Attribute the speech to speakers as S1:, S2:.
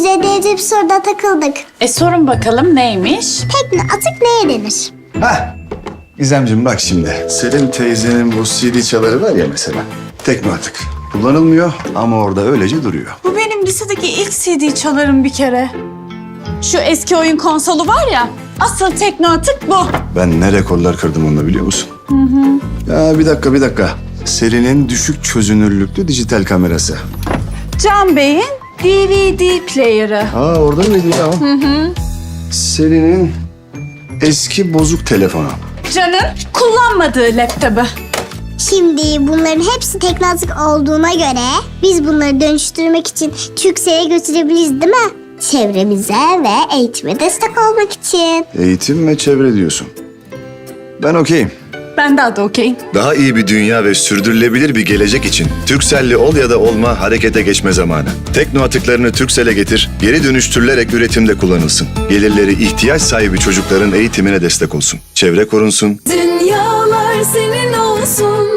S1: de bir soruda takıldık.
S2: Sorun bakalım neymiş?
S1: Tekne atık neye denir?
S3: Hah. Gizemciğim bak şimdi. Selin teyzenin bu CD çaları var ya mesela. Tekme atık. Kullanılmıyor ama orada öylece duruyor.
S2: Bu benim lisedeki ilk CD çalarım bir kere. Şu eski oyun konsolu var ya, asıl tekno atık bu.
S3: Ben ne rekorlar kırdım onunla biliyor musun? Ya bir dakika. Selin'in düşük çözünürlüklü dijital kamerası.
S2: Can Bey'in DVD player'ı.
S3: Orada mıydı ya? Selin'in eski bozuk telefonu.
S2: Can'ın kullanmadığı laptopu.
S1: Şimdi bunların hepsi tekne atık olduğuna göre biz bunları dönüştürmek için Türkcell'e götürebiliriz değil mi? Çevremize ve eğitime destek olmak için.
S3: Eğitim ve çevre diyorsun. Ben okeyim.
S2: Ben daha da okeyim.
S4: Daha iyi bir dünya ve sürdürülebilir bir gelecek için Turkcell'li ol ya da olma, harekete geçme zamanı. Tekno atıklarını Turkcell'e getir, geri dönüştürülerek üretimde kullanılsın. Gelirleri ihtiyaç sahibi çocukların eğitimine destek olsun. Çevre korunsun.
S5: Dünyalar senin olsun.